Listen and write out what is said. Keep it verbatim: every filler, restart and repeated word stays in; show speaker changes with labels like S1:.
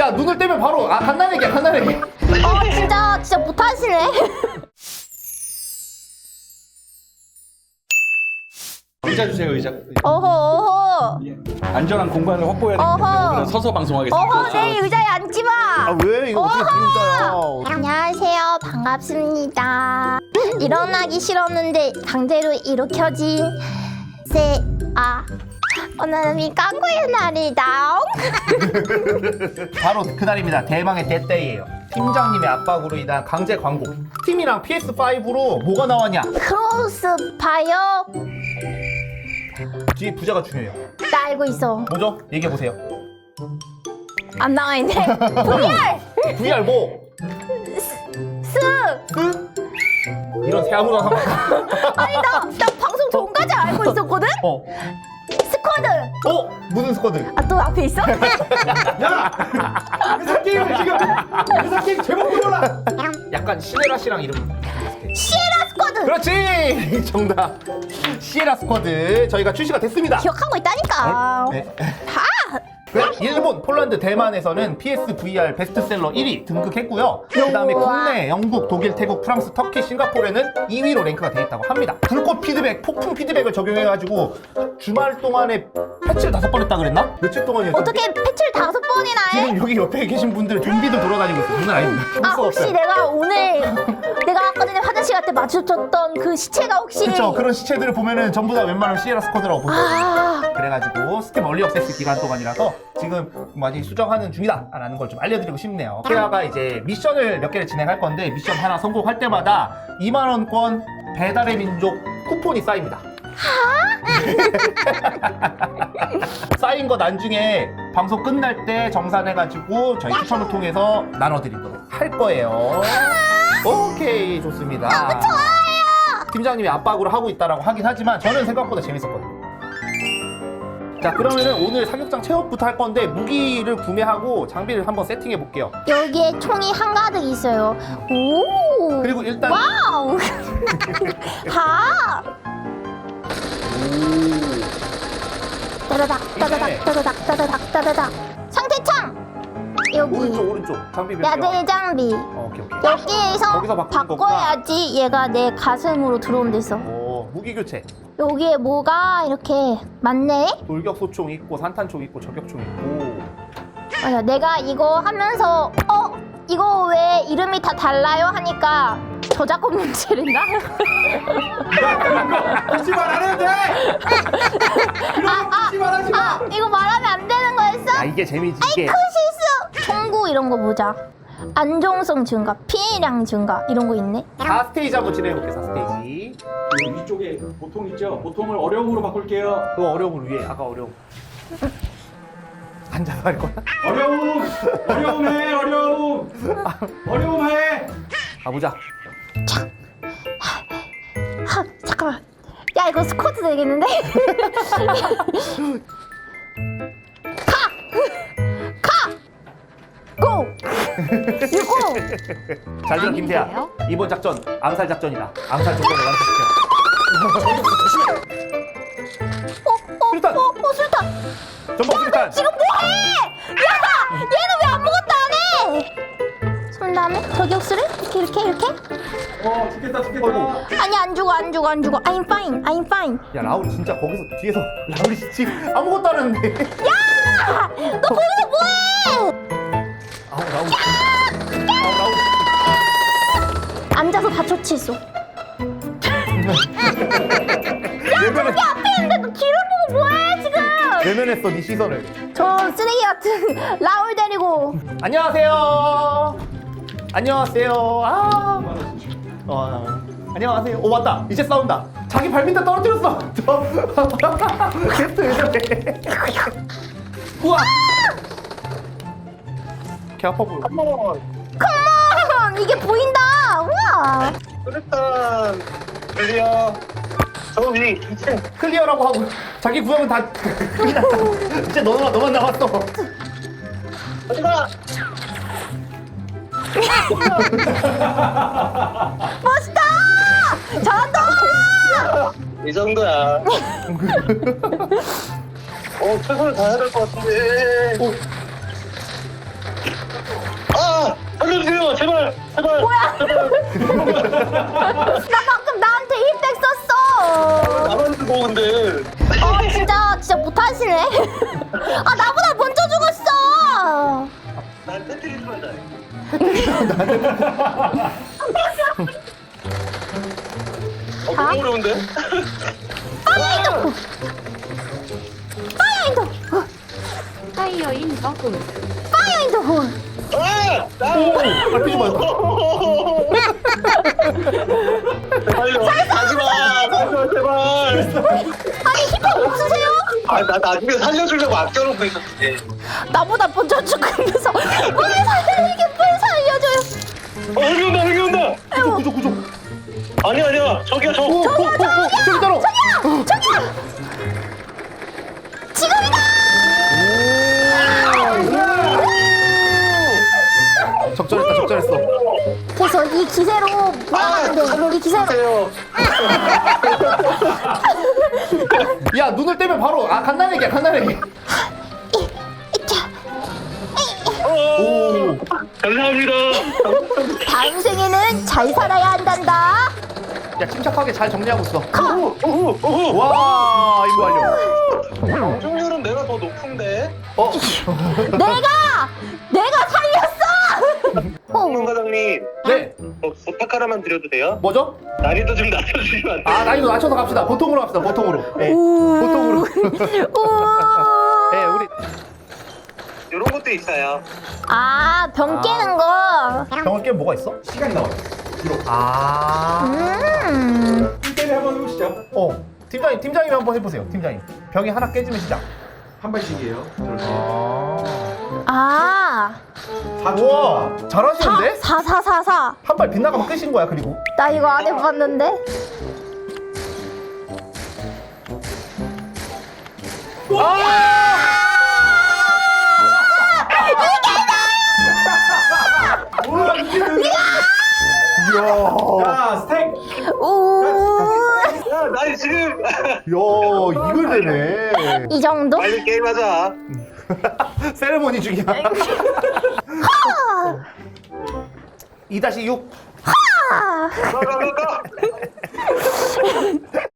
S1: 야 눈을 떼면 바로 아 간단하게 간단하게.
S2: 어 진짜 진짜 못하시네.
S3: 의자 주세요, 의자.
S2: 어허 어허
S3: 예. 안전한 공간을 확보해야 되기 때문에
S2: 어허.
S3: 오늘은 서서 방송하겠습니다.
S2: 어허 내 의자에 앉지 마.
S1: 아 왜 이거 어떻게 진짜야?
S2: 안녕하세요. 반갑습니다. 일어나기 싫었는데 강제로 일으켜진 세아 오늘은 깡구의 날이다.
S1: 바로 그날입니다. 대망의 대때예요. 팀장님의 압박으로 인한 강제 광고. 팀이랑 피에스 파이브로 뭐가 나왔냐?
S2: 크로스파이어
S1: 뒤에 부자가 중요해요.
S2: 나 알고 있어.
S1: 뭐죠? 얘기해 보세요.
S2: 안 나와 있네. 브이알
S1: 브이알 뭐?
S2: 스
S1: 그? 이런 새 아무나 상관.
S2: 아니 나, 나 방송 전까지 알고 있었거든?
S1: 어.
S2: 스쿼드
S1: 어? 무슨 스쿼드?
S2: 아 또 앞에 있어?
S1: 야! 회사 게임을 지금 회사 게임 제목 몰라. 약간 시네라 씨랑 이름.
S2: 시에라 스쿼드
S1: 그렇지. 정답. 시에라 스쿼드 저희가 출시가 됐습니다.
S2: 기억하고 있다니까.
S1: 네.
S2: 다
S1: 그 일본, 폴란드, 대만에서는 피에스 브이알 베스트셀러 일 위 등극했고요. 그 다음에 국내, 영국, 독일, 태국, 프랑스, 터키, 싱가포르에는 이 위로 랭크가 되어 있다고 합니다. 불꽃 피드백, 폭풍 피드백을 적용해가지고 주말 동안에 패치를 다섯 번 했다 그랬나? 며칠 동안이었죠?
S2: 어떻게 패치를 다섯 번이나 해?
S1: 지금 여기 옆에 계신 분들 좀비들 돌아다니고 있어. 장난 아닙니다.
S2: 아 혹시 내가 오늘 내가 아까 전에 화장실 갈 때 마주쳤던 그 시체가 혹시
S1: 그쵸. 그런 시체들을 보면은 전부 다 웬만하면 시에라 스쿼드라고 보죠.
S2: 아
S1: 그래가지고 스팀 얼리 액세스 기간 동안이라서 지금 많이 수정하는 중이다 라는 걸 좀 알려드리고 싶네요. 케아가 이제 미션을 몇 개를 진행할 건데 미션 하나 성공할 때마다 이만 원권 배달의 민족 쿠폰이 쌓입니다. 쌓인 거 나중에 방송 끝날 때 정산해가지고 저희 추첨을 통해서 나눠드리도록 할 거예요. 오케이, 좋습니다.
S2: 너무 좋아요.
S1: 팀장님이 압박으로 하고 있다라고 하긴 하지만 저는 생각보다 재밌었거든요. 자, 그러면은 오늘 사격장 체험부터 할 건데 무기를 구매하고 장비를 한번 세팅해 볼게요.
S2: 여기에 총이 한가득 있어요. 오
S1: 그리고 일단
S2: 와우 다 따다닥 따다닥 따다닥 따다닥 따다닥 상태창 여기
S1: 오른쪽 오른쪽 장비 몇 개?
S2: 야대 장비
S1: 어, 오케이 오케이.
S2: 여기에서
S1: 거기서 바꾸는
S2: 바꿔야지 얘가 내 가슴으로 들어온댔어.
S1: 오, 무기 교체.
S2: 여기에 뭐가 이렇게 많네?
S1: 돌격 소총 있고 산탄총 있고 저격총 있고.
S2: 맞아, 내가 이거 하면서 어? 이거 왜 이름이 다 달라요? 하니까 저작권 문제랬나?
S1: 굳이 말 안 해도 돼.
S2: 아, 아,
S1: 굳이 말하지 마.
S2: 아, 이거 말하면 안 되는 거였어?
S1: 아, 이게 재미지
S2: 아이
S1: 이게.
S2: 큰 실수! 총구 이런 거 보자. 안정성 증가, 피해량 증가 이런 거 있네.
S1: 사 스테이지 한번 진행해 볼게요. 사 스테이지.
S3: 그 위쪽에 보통 있죠? 보통을 어려움으로 바꿀게요.
S1: 그거 어려움을 위해 아까 어려움. 앉아서 할 거야?
S3: 어려움! 어려움해, 어려움! 어려움해!
S1: 가보자.
S2: 하, 잠깐만. 야 이거 스쿼트 되겠는데? 카! 카! 고! 유고!
S1: 잘 들어 김태야. 이번 작전 암살 작전이다. 암살 작전을 완수시켜.
S2: 어? 어?
S1: 수류탄!
S2: 어? 어? 수류탄!
S1: 전방 수류탄.
S2: 지금 뭐해? 야! 얘는 왜 아무것도 안 해? 손 다음에 저격수를 이렇게 이렇게 이렇게?
S3: 어, 죽겠다, 죽겠다.
S1: 어이구.
S2: 아니 안 죽어 안 죽어 안 죽어. I'm fine I'm fine.
S1: 야, 라울 진짜 거기서 뒤에서 라울이 지금 아무것도 안 하는데.
S2: 야! 너 거기서 뭐해?
S1: 아우 라울. 아우 라울.
S2: 앉아서 다 처치했어.
S1: 외면했,
S2: 야 앞에 있는데 너 뒤를 보고 뭐해 지금?
S1: 외면했어 네 시선을.
S2: 저 쓰레기 같은 라울 데리고.
S1: 안녕하세요. 안녕하세요. 아. 어, 안녕하세요. 오 맞다. 이제 싸운다. 자기 발 밑에 떨어뜨렸어. 저 게스트 왜 저래? 우와. 개 아파 보여.
S2: 컴온 이게 보인다. 우와.
S4: 일단 클리어. 저 위 이층.
S1: 클리어라고 하고 자기 구역은 다 끝났다. 이제 너만 너만 남았어.
S4: 어디가?
S2: 멋있다. 잘한다.
S4: 이 정도야. 어 최선을 다해야 될 것 같은데.
S1: 오.
S4: 살려 제발 제발.
S2: 뭐야? 나 방금 나한테 힐백 썼어.
S4: 나만 죽어 근데.
S2: 어 진짜 진짜 못하시네. 아 나보다 먼저 죽었어.
S4: 난 테트리스 한다. 어
S2: 자.
S4: 너무 어려운데?
S2: 파이어인도. 파이어인도.
S5: 타이어 인 버그.
S2: 파이어인도.
S4: 아! 나!
S1: 밟히지 마.
S4: 제발요. 가지마. 가지마 제발.
S2: 아니 힐백 없으세요?
S4: 아 나 나중에 살려주려고 아껴놓고 있었지.
S2: 나보다 먼저 죽으면서 뭘 살려이게 뭘 살려줘요.
S4: 어 여기 온다 여기 온다.
S1: 구조 구조 구조.
S4: 아니야 아니야 저기야 저.
S1: 오, 오, 오, 오, 저기 따로.
S2: 저기야 저기야. 지금이다.
S1: 적절했다 적절했어.
S2: 그래서 이 기세로 뭐하는데 이 기세로.
S4: 안녕하세요.
S1: 야 눈을 떼면 바로 아 간단하게 간단하게. 오.
S4: 감사합니다.
S2: 다음 생에는 잘 살아야 한단다.
S1: 야 침착하게 잘 정리하고 있어.
S4: 오호 오호 오호.
S1: 와 이거 완료.
S4: 경중률은 내가 더 높은데.
S1: 어.
S2: 내가 내가 살렸어.
S4: 홍 과장님
S1: 네.
S4: 어, 부탁 하나만 드려도 돼요?
S1: 뭐죠?
S4: 난이도 좀 낮춰주시면 안 돼요?
S1: 아 난이도 낮춰서 갑시다. 보통으로 갑시다. 보통으로. 네.
S2: 오.
S1: 보통으로.
S2: 오.
S1: 네 우리
S4: 이런 것도 있어요.
S2: 아, 병 깨는 거.
S1: 병을 깨면 뭐가 있어?
S3: 시간이 나와요. 기록.
S1: 아.
S2: 음.
S3: 일 대일 한번 해보시죠.
S1: 어. 팀장님 팀장님 한번 해보세요. 팀장님. 병이 하나 깨지면 시작.
S3: 한 발씩이에요. 이렇게.
S1: 아.
S2: 아.
S3: 사 초.
S1: 우와 잘하시는데?
S2: 사, 사, 사, 사.
S1: 한 발 빗나가면 끝인 거야 그리고.
S2: 나 이거 안 해봤는데.
S3: 뭐야 이게?
S1: 이야.
S3: 자 스택.
S2: 오.
S4: 야, 나 지금
S1: 야 이걸 되네.
S2: 이 정도?
S4: 빨리 게임하자.
S1: 세레모니 중이야. 이 다시 육.
S2: 아.
S4: 가, 가, 가, 가.